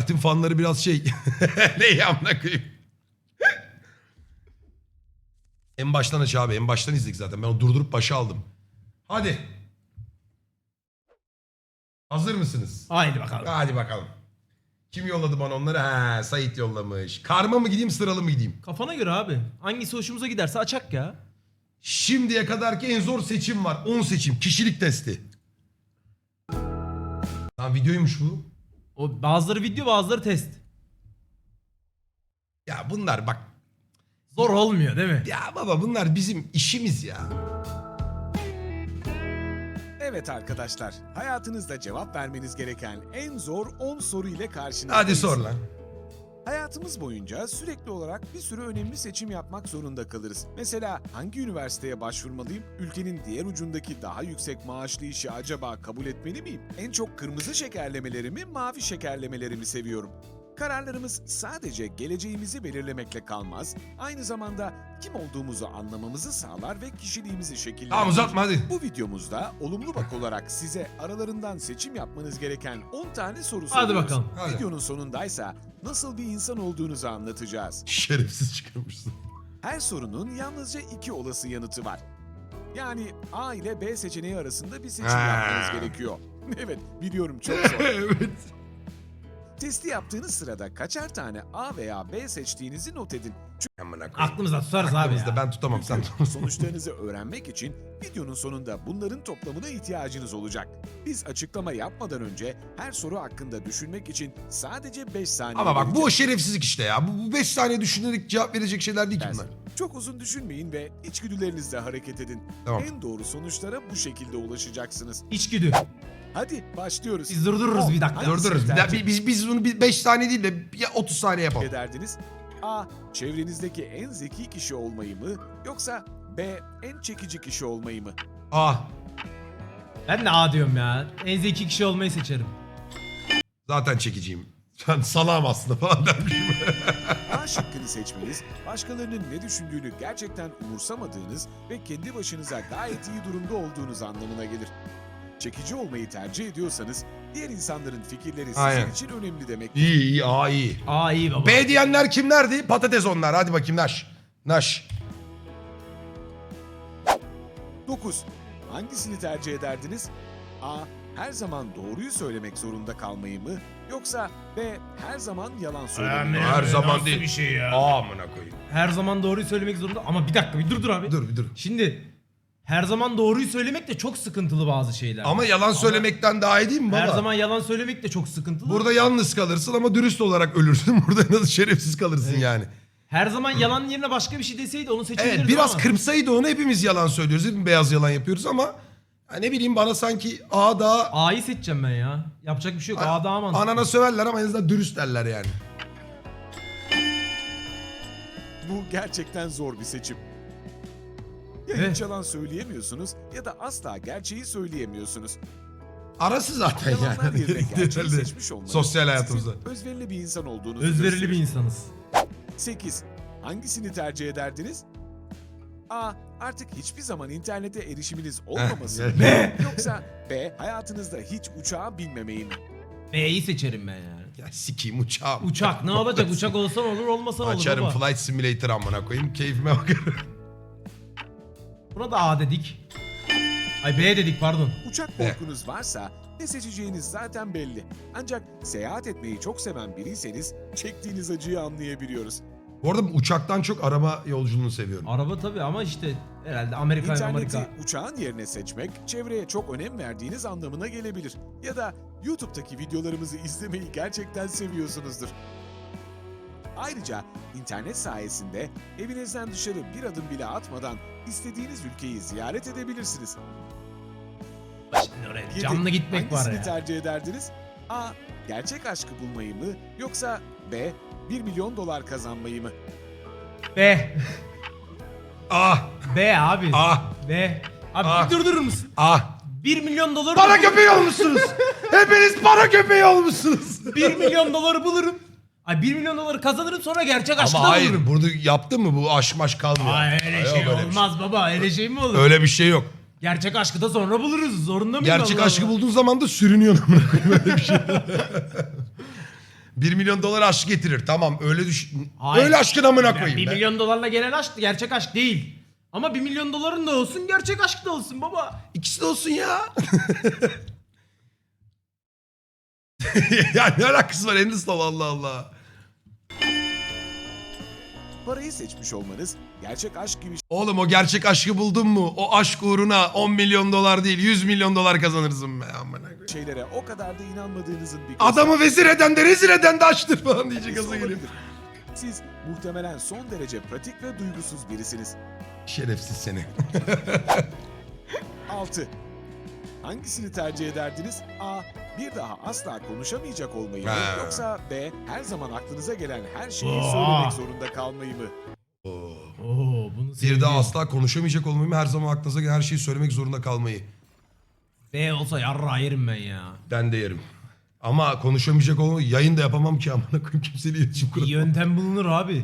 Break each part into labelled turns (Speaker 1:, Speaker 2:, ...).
Speaker 1: Mert'in fanları biraz şey. Ne amına koyayım. En baştan aç abi. En baştan izledik zaten. Ben o durdurup başa aldım. Hadi. Hazır mısınız?
Speaker 2: Haydi bakalım.
Speaker 1: Hadi bakalım. Kim yolladı bana onları? Ha, Sait yollamış. Karma mı gideyim, sıralı mı gideyim?
Speaker 2: Kafana göre abi. Hangisi hoşumuza giderse açak ya.
Speaker 1: Şimdiye kadarki en zor seçim var. 10 seçim. Kişilik testi. Lan videoymuş bu.
Speaker 2: O bazıları video, bazıları test.
Speaker 1: Ya bunlar bak.
Speaker 2: Zor olmuyor değil mi?
Speaker 1: Ya baba bunlar bizim işimiz ya.
Speaker 3: Evet arkadaşlar, hayatınızda cevap vermeniz gereken en zor 10 soru ile karşınızdayız.
Speaker 1: Hadi sor lan.
Speaker 3: Hayatımız boyunca sürekli olarak bir sürü önemli seçim yapmak zorunda kalırız. Mesela hangi üniversiteye başvurmalıyım? Ülkenin diğer ucundaki daha yüksek maaşlı işi acaba kabul etmeli miyim? En çok kırmızı şekerlemeleri mi, mavi şekerlemeleri mi seviyorum? Kararlarımız sadece geleceğimizi belirlemekle kalmaz, aynı zamanda kim olduğumuzu anlamamızı sağlar ve kişiliğimizi şekillendirir.
Speaker 1: Tamam uzatma hadi.
Speaker 3: Bu videomuzda olumlu bak olarak size aralarından seçim yapmanız gereken 10 tane soru
Speaker 2: Hadi
Speaker 3: soruyoruz.
Speaker 2: bakalım.
Speaker 1: Hadi.
Speaker 3: Videonun sonundaysa nasıl bir insan olduğunuzu anlatacağız.
Speaker 1: Şerefsiz çıkarmışsın.
Speaker 3: Her sorunun yalnızca 2 olası yanıtı var. Yani A ile B seçeneği arasında bir seçim
Speaker 1: Ha.
Speaker 3: yapmanız gerekiyor. Evet, biliyorum çok zor.
Speaker 1: Evet.
Speaker 3: Testi yaptığınız sırada kaçar tane A veya B seçtiğinizi not edin.
Speaker 1: Amına koyayım.
Speaker 2: Aklımızda tutarız abi
Speaker 1: Aklımızda
Speaker 2: ya.
Speaker 1: ben tutamam sen
Speaker 3: Çünkü sonuçlarınızı öğrenmek için videonun sonunda bunların toplamına ihtiyacınız olacak. Biz açıklama yapmadan önce her soru hakkında düşünmek için sadece 5 saniye
Speaker 1: Ama bak bu o
Speaker 3: vereceğiz.
Speaker 1: şerefsizlik işte ya. Bu 5 saniye düşünerek cevap verecek şeyler değil ki bunlar.
Speaker 3: Çok uzun düşünmeyin ve içgüdülerinizle hareket edin.
Speaker 1: Tamam.
Speaker 3: En doğru sonuçlara bu şekilde ulaşacaksınız.
Speaker 2: İçgüdü.
Speaker 3: Hadi başlıyoruz.
Speaker 2: Biz durdururuz bir dakika.
Speaker 3: Hangisi
Speaker 1: Durdururuz.
Speaker 3: tercih
Speaker 1: Biz bunu 5 saniye değil de ya 30 saniye yapalım.
Speaker 3: ederdiniz? A. Çevrenizdeki en zeki kişi olmayı mı? Yoksa B. En çekici kişi olmayı mı?
Speaker 1: Ah
Speaker 2: Ben de A diyorum ya. En zeki kişi olmayı seçerim.
Speaker 1: zaten çekiciyim. Ben salağım aslında falan dermişim.
Speaker 3: A şıkkını seçmeniz, başkalarının ne düşündüğünü gerçekten umursamadığınız ve kendi başınıza gayet iyi durumda olduğunuz anlamına gelir. Çekici olmayı tercih ediyorsanız, diğer insanların fikirleri sizin
Speaker 1: Aynen.
Speaker 3: için önemli demek.
Speaker 1: İyi iyi aa iyi.
Speaker 2: A iyi baba.
Speaker 1: B diyenler kimlerdi? Patates onlar. Hadi bakayım Naş. Naş.
Speaker 3: 9. Hangisini tercih ederdiniz? A. Her zaman doğruyu söylemek zorunda kalmayı mı? Yoksa B. Her zaman yalan söylemeyi mi?
Speaker 1: Her zaman değil.
Speaker 2: Bir şey ya.
Speaker 1: Amına koyayım.
Speaker 2: Her zaman doğruyu söylemek zorunda. Ama bir dakika bir dur abi.
Speaker 1: Dur bir dur.
Speaker 2: Şimdi her zaman doğruyu söylemek de çok sıkıntılı bazı şeyler.
Speaker 1: Ama yalan söylemekten daha iyi değil mi baba?
Speaker 2: her zaman yalan söylemek de çok sıkıntılı.
Speaker 1: Burada yalnız kalırsın ama dürüst olarak ölürsün. Burada nasıl şerefsiz kalırsın yani.
Speaker 2: her zaman yalan yerine başka bir şey deseydi onu seçebilirdim
Speaker 1: Evet biraz
Speaker 2: ama.
Speaker 1: kırpsaydı onu hepimiz yalan söylüyoruz. Hepimiz beyaz yalan yapıyoruz ama ya ne bileyim bana sanki A daha
Speaker 2: A'yı seçeceğim ben ya. Yapacak bir şey yok. A daha mantıklı.
Speaker 1: anana söverler ama en azından dürüst derler yani.
Speaker 3: Bu gerçekten zor bir seçim. Ya
Speaker 2: Evet.
Speaker 3: hiç yalan söyleyemiyorsunuz ya da asla gerçeği söyleyemiyorsunuz.
Speaker 1: Arası zaten
Speaker 3: Yalanlar
Speaker 1: yani.
Speaker 3: yerine gerçeği
Speaker 1: Herhalde
Speaker 3: seçmiş olmanız
Speaker 1: sosyal hayatımızda.
Speaker 3: sizin özverili bir insan olduğunuzu
Speaker 2: Özverili bir
Speaker 3: gösterir.
Speaker 2: insanız.
Speaker 3: 8. Hangisini tercih ederdiniz? A. Artık hiçbir zaman internete erişiminiz olmaması mı?
Speaker 1: evet.
Speaker 3: Yoksa B. Hayatınızda hiç uçağa binmemeyi mi?
Speaker 2: B'yi seçerim ben yani.
Speaker 1: Ya sikeyim uçağım.
Speaker 2: Uçak ne olacak? Uçak olsan olur olmasan olur
Speaker 1: Açarım
Speaker 2: baba.
Speaker 1: Flight Simulator amına koyayım. Keyfime bakarım.
Speaker 2: Buna da A dedik. Ay B dedik pardon.
Speaker 3: Uçak korkunuz varsa ne seçeceğiniz zaten belli. Ancak seyahat etmeyi çok seven biriyseniz çektiğiniz acıyı anlayabiliyoruz.
Speaker 1: Bu arada uçaktan çok araba yolculuğunu seviyorum.
Speaker 2: Araba tabii ama işte herhalde Amerika.
Speaker 3: İnterneti uçağın yerine seçmek, çevreye çok önem verdiğiniz anlamına gelebilir. Ya da YouTube'daki videolarımızı izlemeyi gerçekten seviyorsunuzdur. Ayrıca internet sayesinde evinizden dışarı bir adım bile atmadan istediğiniz ülkeyi ziyaret edebilirsiniz.
Speaker 2: Şimdi oraya
Speaker 3: 7.
Speaker 2: canlı gitmek var
Speaker 3: Hangisini
Speaker 2: ya.
Speaker 3: tercih ederdiniz? A. Gerçek aşkı bulmayı mı? Yoksa B. 1 milyon dolar kazanmayı mı?
Speaker 2: B.
Speaker 1: Ah
Speaker 2: B abi.
Speaker 1: ah
Speaker 2: B. Abi
Speaker 1: Ah.
Speaker 2: bir durdurur musun?
Speaker 1: ah.
Speaker 2: 1 milyon doları
Speaker 1: Para köpeği olmuşsunuz. Hepiniz para köpeği olmuşsunuz.
Speaker 2: 1 milyon doları bulurum. Ay 1 milyon doları kazanırım sonra gerçek aşkı
Speaker 1: Ama
Speaker 2: da
Speaker 1: hayır
Speaker 2: bulurum.
Speaker 1: bunu yaptın mı bu aş maş kalmıyor.
Speaker 2: Ay öyle
Speaker 1: Yok,
Speaker 2: şey
Speaker 1: öyle bir
Speaker 2: olmaz baba. Öyle şey mi olur?
Speaker 1: Öyle bir şey yok.
Speaker 2: Gerçek aşkı da sonra buluruz. Zorunda mıyım?
Speaker 1: Gerçek
Speaker 2: Allah
Speaker 1: aşkı
Speaker 2: Allah?
Speaker 1: bulduğun zaman da sürünüyorsun amına koyayım, öyle bir şey. 1 milyon dolar aşk getirir. Tamam öyle düşün.
Speaker 2: Hayır.
Speaker 1: Öyle aşkın amına
Speaker 2: Yani
Speaker 1: koyayım
Speaker 2: 1
Speaker 1: be.
Speaker 2: milyon dolarla gelen aşk gerçek aşk değil. Ama 1 milyon doların da olsun, gerçek aşk da olsun baba.
Speaker 1: İkisi de olsun ya. Ya ne alakası var Endistal Allah Allah.
Speaker 3: Parayı seçmiş olmanız gerçek aşk gibi
Speaker 1: Oğlum o gerçek aşkı buldun mu? O aşk uğruna 10 milyon dolar değil 100 milyon dolar kazanırsın be amına koyayım.
Speaker 3: şeylere o kadar da inanmadığınızın bir
Speaker 1: Adamı vezir eden de rezil eden de açtır falan diyecek
Speaker 3: göstergesi
Speaker 1: gaza gelip.
Speaker 3: olabilir. Siz muhtemelen son derece pratik ve duygusuz birisiniz.
Speaker 1: Şerefsiz seni.
Speaker 3: 6. Hangisini tercih ederdiniz? A. Bir daha asla konuşamayacak olmayı mı?
Speaker 1: Ha.
Speaker 3: Yoksa B. Her zaman aklınıza gelen her şeyi
Speaker 2: Aa.
Speaker 3: söylemek zorunda kalmayı mı?
Speaker 2: Oo, bunu
Speaker 1: Bir
Speaker 2: sevdim.
Speaker 1: daha asla konuşamayacak olmayı her zaman aklınıza gelen her şeyi söylemek zorunda kalmayı.
Speaker 2: B olsa yarra yerim ben ya.
Speaker 1: Ben de yerim. Ama konuşamayacak olmayı yayın da yapamam ki amına koyayım kimseyle iletişim
Speaker 2: Bir
Speaker 1: kuramam.
Speaker 2: yöntem bulunur abi.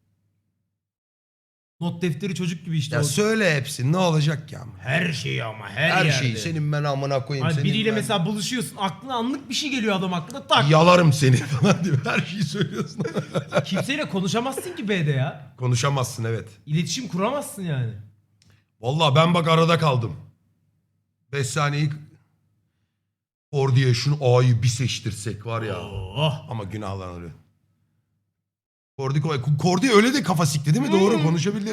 Speaker 2: Not defteri çocuk gibi işte.
Speaker 1: Ya
Speaker 2: o.
Speaker 1: söyle hepsini ne olacak ya?
Speaker 2: Her şeyi ama her
Speaker 1: Her
Speaker 2: yerde.
Speaker 1: şeyi senin ben amına koyayım
Speaker 2: Hani
Speaker 1: senin
Speaker 2: biriyle
Speaker 1: ben...
Speaker 2: mesela buluşuyorsun, aklına anlık bir şey geliyor adam aklına, tak.
Speaker 1: Yalarım seni falan diyor. Her şeyi söylüyorsun.
Speaker 2: Kimseyle konuşamazsın ki B'de ya.
Speaker 1: Konuşamazsın evet.
Speaker 2: İletişim kuramazsın yani.
Speaker 1: Vallahi ben bak arada kaldım. 5 saniyeyi diye şunu A'yı bir seçtirsek var ya.
Speaker 2: Oh.
Speaker 1: Ama günahlanır. Kordi öyle de kafa sikti değil mi? Doğru konuşabildi.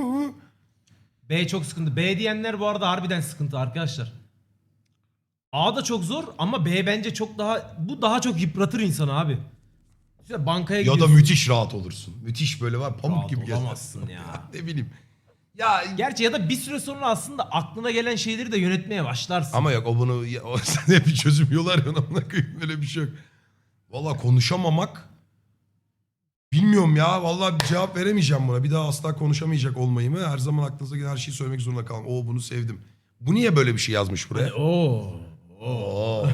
Speaker 2: B çok sıkıntı. B diyenler bu arada harbiden sıkıntı arkadaşlar. A da çok zor ama B bence çok daha, bu daha çok yıpratır insanı abi. İşte bankaya
Speaker 1: Ya da
Speaker 2: gidiyorsun.
Speaker 1: müthiş rahat olursun. Müthiş böyle var pamuk
Speaker 2: Rahat
Speaker 1: gibi
Speaker 2: olamazsın
Speaker 1: gezersin.
Speaker 2: ya.
Speaker 1: Ne bileyim. Ya
Speaker 2: Gerçi ya da bir süre sonra aslında aklına gelen şeyleri de yönetmeye başlarsın.
Speaker 1: ama yok o bunu sen hep bir çözüm yolu arıyorsun amına koyayım öyle bir şey yok. Valla konuşamamak bilmiyorum ya. Vallahi bir cevap veremeyeceğim buna. Bir daha asla konuşamayacak olmayı mı? Her zaman aklınıza gelen her şeyi söylemek zorunda kalmam. Oo bunu sevdim. Bu niye böyle bir şey yazmış buraya?
Speaker 2: Hani, oo.
Speaker 1: Oo.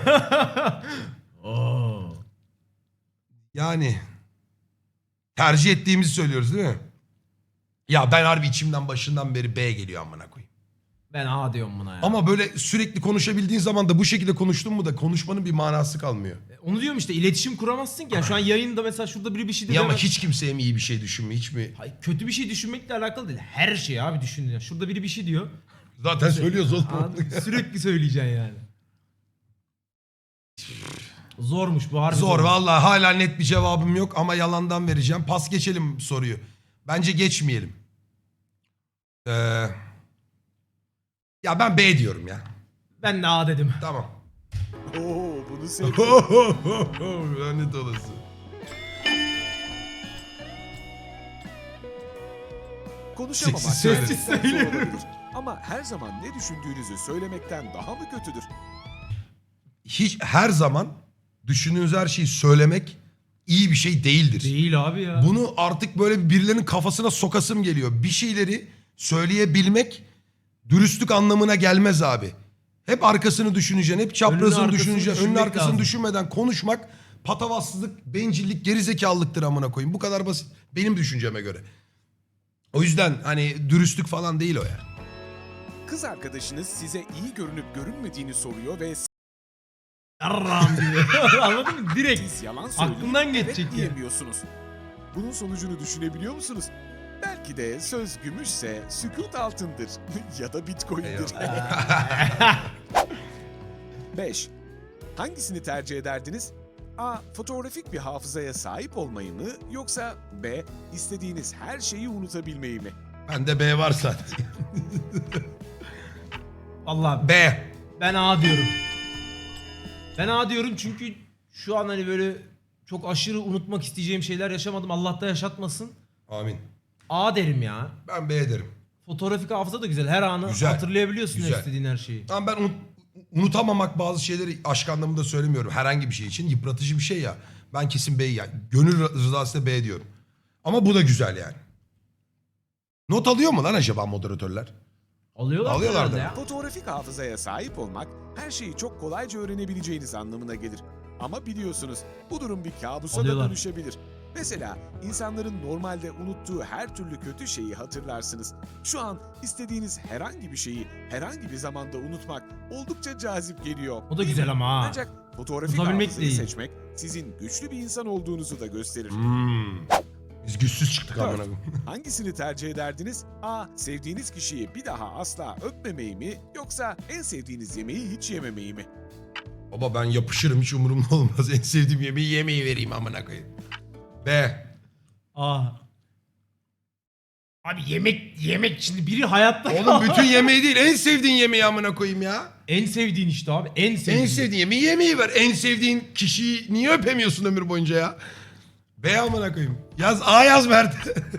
Speaker 2: Oo.
Speaker 1: Yani tercih ettiğimizi söylüyoruz değil mi? Ya ben harbi içimden başından beri B geliyor amına koyayım.
Speaker 2: Ben A diyorum buna ya.
Speaker 1: Ama böyle sürekli konuşabildiğin zaman da bu şekilde konuştun mu da konuşmanın bir manası kalmıyor.
Speaker 2: Onu diyorum işte, iletişim kuramazsın ki. Yani şu an yayında mesela şurada biri bir şey dedi.
Speaker 1: Ya ama
Speaker 2: hemen-
Speaker 1: hiç kimseye mi iyi bir şey düşünme hiç mi?
Speaker 2: Hayır, kötü bir şey düşünmekle alakalı değil. Her şey abi düşünün. Ya. Şurada biri bir şey diyor.
Speaker 1: Zaten söylüyoruz oğlum.
Speaker 2: Sürekli söyleyeceksin yani. Zormuş bu harbi.
Speaker 1: Zor
Speaker 2: zormuş.
Speaker 1: vallahi hala net bir cevabım yok ama yalandan vereceğim. Pas geçelim soruyu. Bence geçmeyelim. Ya ben B diyorum ya.
Speaker 2: Ben de A dedim.
Speaker 1: Tamam.
Speaker 3: Oo, bunu sevdim.
Speaker 1: Lanet olası.
Speaker 3: Konuşamamak
Speaker 1: Sessiz söyle.
Speaker 3: gerçekten zor olabilir. Ama her zaman ne düşündüğünüzü söylemekten daha mı kötüdür?
Speaker 1: Hiç her zaman düşündüğünüz her şeyi söylemek iyi bir şey değildir.
Speaker 2: Değil abi ya.
Speaker 1: Bunu artık böyle birilerinin kafasına sokasım geliyor. Bir şeyleri söyleyebilmek dürüstlük anlamına gelmez abi. Hep arkasını düşüneceksin, hep çaprazını
Speaker 2: arkasını
Speaker 1: düşüneceksin. Önünü
Speaker 2: düşünmek
Speaker 1: arkasını
Speaker 2: lazım.
Speaker 1: düşünmeden konuşmak patavatsızlık, bencillik, gerizekalılıktır amına koyayım. Bu kadar basit benim düşünceme göre. O yüzden hani dürüstlük falan değil o yani.
Speaker 3: Kız arkadaşınız size iyi görünüp görünmediğini soruyor ve
Speaker 2: Yarram gibi. Anladın mı? Direkt.
Speaker 3: siz yalan söyleyip
Speaker 2: Aklından
Speaker 3: evet
Speaker 2: geçecek ya.
Speaker 3: diyemiyorsunuz. Bunun sonucunu düşünebiliyor musunuz? Belki de söz gümüşse sükut altındır ya da bitcoin'dir. 5. Hangisini tercih ederdiniz? A. Fotoğrafik bir hafızaya sahip olmayı mı? Yoksa B. İstediğiniz her şeyi unutabilmeyi mi?
Speaker 1: Bende B var zaten.
Speaker 2: Vallahi
Speaker 1: B.
Speaker 2: ben A diyorum. Ben A diyorum çünkü şu an hani böyle çok aşırı unutmak isteyeceğim şeyler yaşamadım. Allah da yaşatmasın.
Speaker 1: Amin.
Speaker 2: A derim ya.
Speaker 1: Ben B derim.
Speaker 2: Fotoğrafik hafıza da güzel. Her anı
Speaker 1: Güzel.
Speaker 2: hatırlayabiliyorsun
Speaker 1: Güzel.
Speaker 2: istediğin her şeyi.
Speaker 1: Ama ben unutamamak bazı şeyleri aşk anlamında söylemiyorum. Herhangi bir şey için yıpratıcı bir şey ya. Ben kesin B'yi yani. Gönül rızasıyla B diyorum. Ama bu da güzel yani. Not alıyor mu lan acaba moderatörler?
Speaker 2: Alıyorlar
Speaker 1: Alıyorlardı.
Speaker 2: herhalde ya.
Speaker 3: Fotoğrafik hafızaya sahip olmak her şeyi çok kolayca öğrenebileceğiniz anlamına gelir. Ama biliyorsunuz bu durum bir kabusa da
Speaker 2: Alıyorlar.
Speaker 3: dönüşebilir. Mesela insanların normalde unuttuğu her türlü kötü şeyi hatırlarsınız. Şu an istediğiniz herhangi bir şeyi herhangi bir zamanda unutmak oldukça cazip geliyor.
Speaker 2: O da
Speaker 3: değil
Speaker 2: güzel
Speaker 3: mi?
Speaker 2: ama ha.
Speaker 3: Ancak fotoğrafik
Speaker 2: Uzabilmek
Speaker 3: hafızayı
Speaker 2: değil.
Speaker 3: seçmek sizin güçlü bir insan olduğunuzu da gösterir.
Speaker 1: Biz güçsüz çıktık
Speaker 3: Dört.
Speaker 1: amına koyayım.
Speaker 3: Hangisini tercih ederdiniz? A. Sevdiğiniz kişiyi bir daha asla öpmemeyi mi? Yoksa en sevdiğiniz yemeği hiç yememeyi mi?
Speaker 1: Baba ben yapışırım, hiç umurumda olmaz. En sevdiğim yemeği vereyim amına koyayım. B.
Speaker 2: Abi yemek şimdi biri hayatta
Speaker 1: Oğlum bütün yemeği değil, en sevdiğin yemeği amına koyayım ya.
Speaker 2: En sevdiğin işte abi. En sevdiğin.
Speaker 1: En sevdiğin yemeği ver. En sevdiğin kişiyi niye öpemiyorsun ömür boyunca ya? B amına koyayım. Yaz A yaz Mert.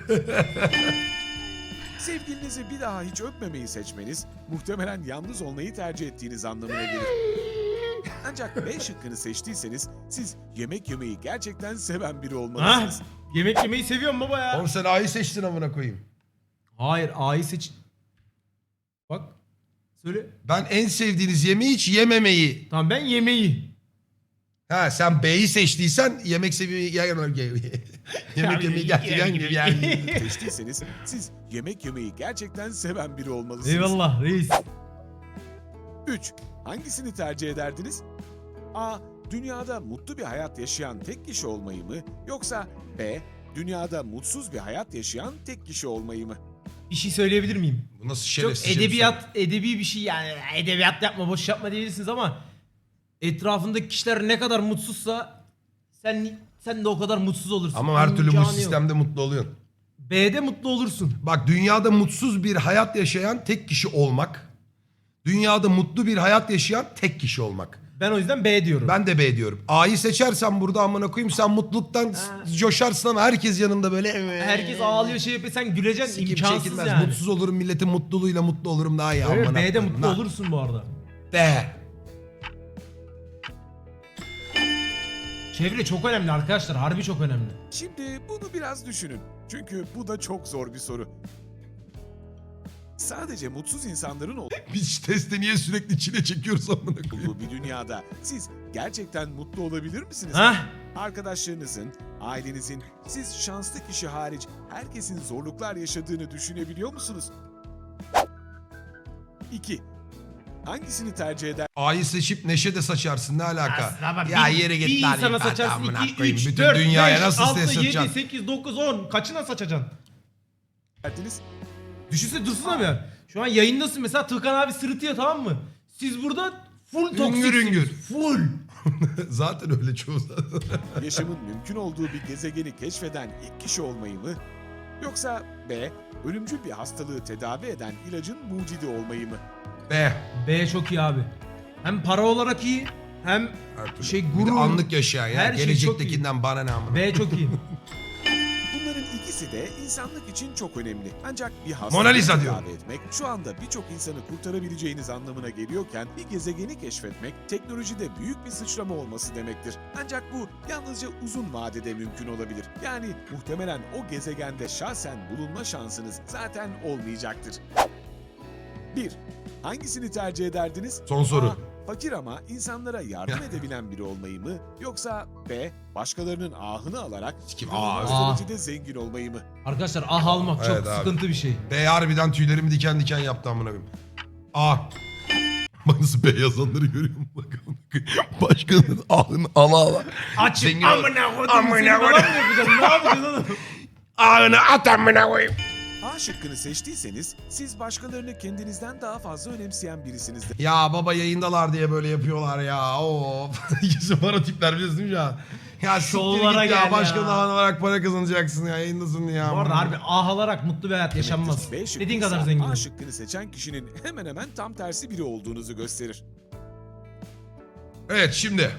Speaker 3: Sevgilinizi bir daha hiç öpmemeyi seçmeniz muhtemelen yalnız olmayı tercih ettiğiniz anlamına gelir. Ancak B şıkkını seçtiyseniz siz yemek yemeyi gerçekten seven biri
Speaker 2: Ha?
Speaker 3: olmalısınız.
Speaker 2: Yemek yemeyi seviyorum baba ya.
Speaker 1: Oğlum sen A'yı seçtin amına koyayım.
Speaker 2: Hayır A'yı seç. Bak. Söyle.
Speaker 1: Ben en sevdiğiniz yemeği hiç yememeyi.
Speaker 2: Tamam ben yemeği.
Speaker 1: Ha sen B'yi seçtiysen yemek seviyeyi yemek yemeyi gerçekten
Speaker 3: Seçtiyseniz siz yemek yemeyi gerçekten seven biri olmalısınız.
Speaker 2: Eyvallah reis.
Speaker 3: 3. Hangisini tercih ederdiniz? A. Dünyada mutlu bir hayat yaşayan tek kişi olmayı mı? Yoksa B. Dünyada mutsuz bir hayat yaşayan tek kişi olmayı mı?
Speaker 2: Bir şey söyleyebilir miyim?
Speaker 1: Bu nasıl
Speaker 2: Çok
Speaker 1: şerefsizce bir
Speaker 2: edebi bir şey yani. Edebiyat yapma, boş yapma diyebilirsiniz ama etrafındaki kişiler ne kadar mutsuzsa sen de o kadar mutsuz olursun.
Speaker 1: Ama her türlü bu
Speaker 2: İmkanı yok.
Speaker 1: sistemde mutlu oluyorsun.
Speaker 2: B'de mutlu olursun.
Speaker 1: Bak dünyada mutsuz bir hayat yaşayan tek kişi olmak. Dünyada mutlu bir hayat yaşayan tek kişi olmak.
Speaker 2: Ben o yüzden B diyorum.
Speaker 1: Ben de B diyorum. A'yı seçersen burada amına koyayım sen mutluluktan coşarsın ama herkes yanında böyle.
Speaker 2: Herkes ağlıyor şey yapıyor sen güleceksin
Speaker 1: Sikim
Speaker 2: imkansız
Speaker 1: çekilmez.
Speaker 2: yani.
Speaker 1: Mutsuz olurum milletin mutluluğuyla mutlu olurum daha iyi.
Speaker 2: Evet,
Speaker 1: amına
Speaker 2: B'de
Speaker 1: koyayım.
Speaker 2: mutlu
Speaker 1: Lan.
Speaker 2: olursun bu arada.
Speaker 1: B.
Speaker 2: Çevre çok önemli arkadaşlar. Harbi çok önemli.
Speaker 3: Şimdi bunu biraz düşünün. Çünkü bu da çok zor bir soru. Sadece mutsuz insanların
Speaker 1: Biz testi niye sürekli çile çekiyoruz amına koyayım?
Speaker 3: olduğu bir dünyada siz gerçekten mutlu olabilir misiniz?
Speaker 2: Hah?
Speaker 3: Arkadaşlarınızın, ailenizin, siz şanslı kişi hariç herkesin zorluklar yaşadığını düşünebiliyor musunuz? 2. Hangisini tercih eder?
Speaker 1: A'yı seçip neşe de saçarsın ne alaka?
Speaker 2: Aslında ama
Speaker 1: Ya
Speaker 2: bir,
Speaker 1: yere git
Speaker 2: bir
Speaker 1: lan
Speaker 2: insana
Speaker 1: ifade
Speaker 2: saçarsın
Speaker 1: amına
Speaker 2: 2,
Speaker 1: koyayım.
Speaker 2: 3,
Speaker 1: Bütün
Speaker 2: 4,
Speaker 1: dünyaya
Speaker 2: 5,
Speaker 1: nasıl
Speaker 2: 6,
Speaker 1: stres
Speaker 2: 7,
Speaker 1: satacaksın?
Speaker 2: 8, 9, 10. Kaçına saçacaksın?
Speaker 3: Derdiniz?
Speaker 2: Düşünsene dursun abi ya. Şu an yayındasın mesela Tıkan abi sırıtıyor tamam mı? Siz burada full
Speaker 1: Üngür
Speaker 2: toksiksiniz.
Speaker 1: üngür.
Speaker 2: Full.
Speaker 1: Zaten öyle çoğu zaten.
Speaker 3: Yaşamın mümkün olduğu bir gezegeni keşfeden ilk kişi olmayı mı? Yoksa B. Ölümcül bir hastalığı tedavi eden ilacın mucidi olmayı mı?
Speaker 1: B.
Speaker 2: B çok iyi abi. Hem para olarak iyi hem
Speaker 1: Her türlü.
Speaker 2: şey
Speaker 1: Bir de
Speaker 2: gurur.
Speaker 1: anlık yaşayan ya.
Speaker 2: Her şey
Speaker 1: Gelecektekinden bana ne amına.
Speaker 2: B çok iyi.
Speaker 3: Bunların ikisi de insanlık için çok önemli. Ancak bir
Speaker 1: Mona
Speaker 3: hastalığı
Speaker 1: Lisa
Speaker 3: tedavi etmek şu anda birçok insanı kurtarabileceğiniz anlamına geliyorken bir gezegeni keşfetmek teknolojide büyük bir sıçrama olması demektir. Ancak bu yalnızca uzun vadede mümkün olabilir. Yani muhtemelen o gezegende şahsen bulunma şansınız zaten olmayacaktır. 1. Hangisini tercih ederdiniz?
Speaker 1: Son soru.
Speaker 3: A. Fakir ama insanlara yardım edebilen biri olmayı mı? Yoksa B. Başkalarının ahını alarak
Speaker 1: Sikim,
Speaker 3: inanılmaz
Speaker 2: ah.
Speaker 3: derecede zengin olmayı mı?
Speaker 2: Arkadaşlar ah almak çok
Speaker 1: Evet abi.
Speaker 2: sıkıntı bir şey.
Speaker 1: B harbiden tüylerimi diken diken yaptı amına koyayım. A. Bak nasıl B yazanları görüyor musun? Bak amına koyayım. Başkanın ahını ala ala.
Speaker 2: Açık
Speaker 1: Zengin-
Speaker 2: amına koydum
Speaker 1: Amına
Speaker 2: seni falan mı
Speaker 1: koydum.
Speaker 2: yapacaksın? Ne yapacaksın oğlum?
Speaker 1: Ahını at amına koyayım.
Speaker 3: A şıkkını seçtiyseniz siz başkalarını kendinizden daha fazla önemseyen birisinizdir.
Speaker 1: Ya baba yayındalar diye böyle yapıyorlar ya. Of. İkisi para tipler biliyorsun değil mi ya? Ya siktir
Speaker 2: Şovlara
Speaker 1: git ya.
Speaker 2: gel
Speaker 1: Başka
Speaker 2: ya.
Speaker 1: daha olarak para kazanacaksın ya. Yayındasın ya.
Speaker 2: Bu arada harbi ah alarak mutlu bir hayat yaşanmaz.
Speaker 3: B şıkkı
Speaker 2: Dediğin kadar
Speaker 3: ise
Speaker 2: zengin
Speaker 3: A
Speaker 2: ol.
Speaker 3: şıkkını seçen kişinin hemen hemen tam tersi biri olduğunuzu gösterir.
Speaker 1: Evet şimdi.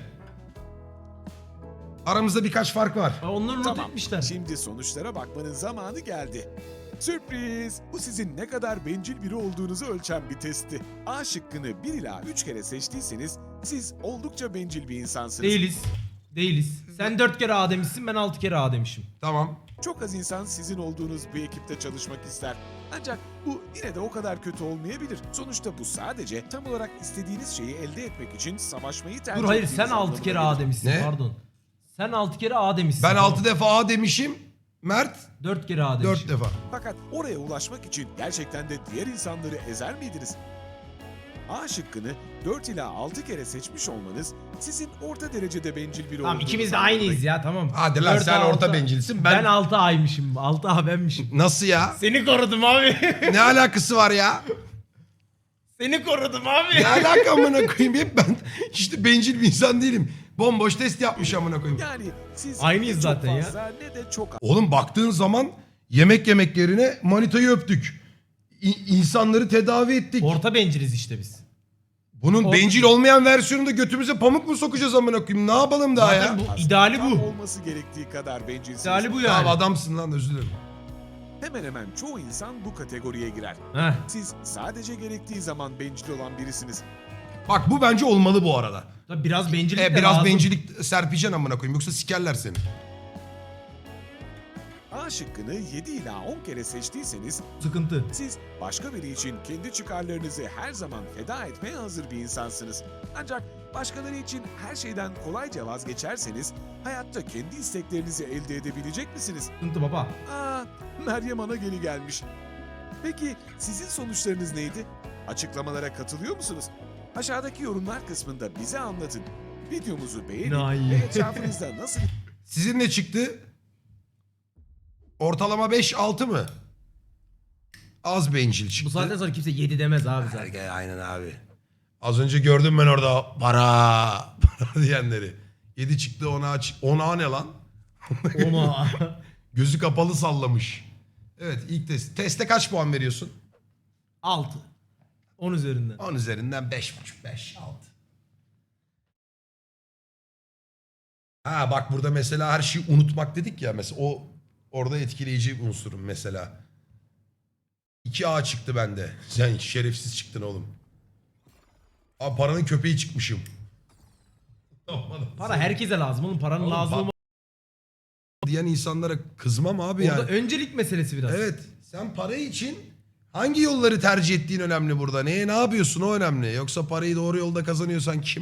Speaker 1: Aramızda birkaç fark var.
Speaker 2: Onları not
Speaker 3: Tamam,
Speaker 2: etmişler.
Speaker 3: şimdi sonuçlara bakmanın zamanı geldi. Sürpriz! Bu sizin ne kadar bencil biri olduğunuzu ölçen bir testti. A şıkkını 1 ila 3 kere seçtiyseniz siz oldukça bencil bir insansınız.
Speaker 2: Değiliz. Değiliz. Sen 4 kere A demişsin ben 6 kere A demişim.
Speaker 1: Tamam.
Speaker 3: Çok az insan sizin olduğunuz bir ekipte çalışmak ister. Ancak bu yine de o kadar kötü olmayabilir. Sonuçta bu sadece tam olarak istediğiniz şeyi elde etmek için savaşmayı tercih
Speaker 2: Dur hayır
Speaker 3: ettiğiniz
Speaker 2: sen 6
Speaker 3: anlamına
Speaker 2: kere
Speaker 3: gelir.
Speaker 2: A demişsin
Speaker 1: Ne?
Speaker 2: pardon. Sen 6 kere A demişsin.
Speaker 1: Ben
Speaker 2: Tamam.
Speaker 1: 6 defa A demişim. Mert
Speaker 2: 4 kere A
Speaker 1: 4
Speaker 2: demişim.
Speaker 1: defa.
Speaker 3: Fakat oraya ulaşmak için gerçekten de diğer insanları ezer miydiniz? A şıkkını 4 ila 6 kere seçmiş olmanız sizin orta derecede bencil biri
Speaker 2: Tamam
Speaker 3: olduğunuzu
Speaker 2: ikimiz de
Speaker 3: anlamına
Speaker 2: aynıyız ya tamam.
Speaker 1: Hadi lan,
Speaker 2: 4
Speaker 1: sen
Speaker 2: A,
Speaker 1: orta
Speaker 2: 6.
Speaker 1: bencilsin.
Speaker 2: Ben 6 A'ymışım. 6 A benmişim.
Speaker 1: Nasıl ya?
Speaker 2: Seni korudum abi.
Speaker 1: Ne alakası var ya?
Speaker 2: Seni korudum abi.
Speaker 1: Ne alaka amına koyayım? Hep ben işte bencil bir insan değilim. Bomboş test yapmış amına koyayım.
Speaker 3: Yani siz
Speaker 2: Aynıyız
Speaker 3: ne çok
Speaker 2: zaten ya.
Speaker 3: fazla ne de çok
Speaker 1: Oğlum baktığın zaman yemek yerine manitayı öptük. İnsanları tedavi ettik.
Speaker 2: Orta benciliz işte biz.
Speaker 1: Bunun bencil olmayan versiyonunda götümüze pamuk mu sokacağız amına koyayım? Ne yapalım daha
Speaker 2: Zaten
Speaker 1: ya?
Speaker 2: bu
Speaker 3: aslında
Speaker 2: ideali
Speaker 3: tam
Speaker 2: bu.
Speaker 3: olması gerektiği kadar bencilsiniz.
Speaker 2: İdeali bu yani.
Speaker 1: Tamam adamsın lan, özür dilerim.
Speaker 3: Hemen hemen çoğu insan bu kategoriye girer.
Speaker 2: Heh.
Speaker 3: Siz sadece gerektiği zaman bencil olan birisiniz.
Speaker 1: Bak bu bence olmalı bu arada.
Speaker 2: Tabii biraz bencillik de
Speaker 1: Biraz
Speaker 2: lazım.
Speaker 1: bencillik serpeceksin amına koyayım, yoksa sikerler seni.
Speaker 3: A şıkkını 7 ila 10 kere seçtiyseniz
Speaker 2: Sıkıntı.
Speaker 3: siz başka biri için kendi çıkarlarınızı her zaman feda etmeye hazır bir insansınız. Ancak başkaları için her şeyden kolayca vazgeçerseniz hayatta kendi isteklerinizi elde edebilecek misiniz?
Speaker 2: Sıkıntı baba.
Speaker 3: Aa, Meryem Anageli gelmiş. Peki sizin sonuçlarınız neydi? Açıklamalara katılıyor musunuz? Aşağıdaki yorumlar kısmında bize anlatın. Videomuzu beğenin
Speaker 2: Nay.
Speaker 3: ve etrafınızda nasıl
Speaker 1: Sizin ne çıktı? Ortalama 5-6 mı? Az bencil çıktı.
Speaker 2: Bu saatten sonra kimse 7 demez abi zaten.
Speaker 1: Aynen abi. Az önce gördüm ben orada para diyenleri. 7 çıktı, 10'a ne lan?
Speaker 2: Ona.
Speaker 1: Gözü kapalı sallamış. Evet, ilk test. Teste kaç puan veriyorsun?
Speaker 2: 6. 10 üzerinden.
Speaker 1: 10 üzerinden 5,5, 5, 6. Ha bak, burada mesela her şeyi unutmak dedik ya. Mesela o orada etkileyici unsurum mesela. 2A çıktı bende. Sen şerefsiz çıktın oğlum. Abi paranın köpeği çıkmışım.
Speaker 2: Para herkese lazım oğlum. Paranın
Speaker 1: Oğlum,
Speaker 2: lazım olma.
Speaker 1: diyen insanlara kızmam abi
Speaker 2: Orada
Speaker 1: yani.
Speaker 2: öncelik meselesi biraz.
Speaker 1: Evet, sen para için hangi yolları tercih ettiğin önemli burada. Ne yapıyorsun o önemli. Yoksa parayı doğru yolda kazanıyorsan kim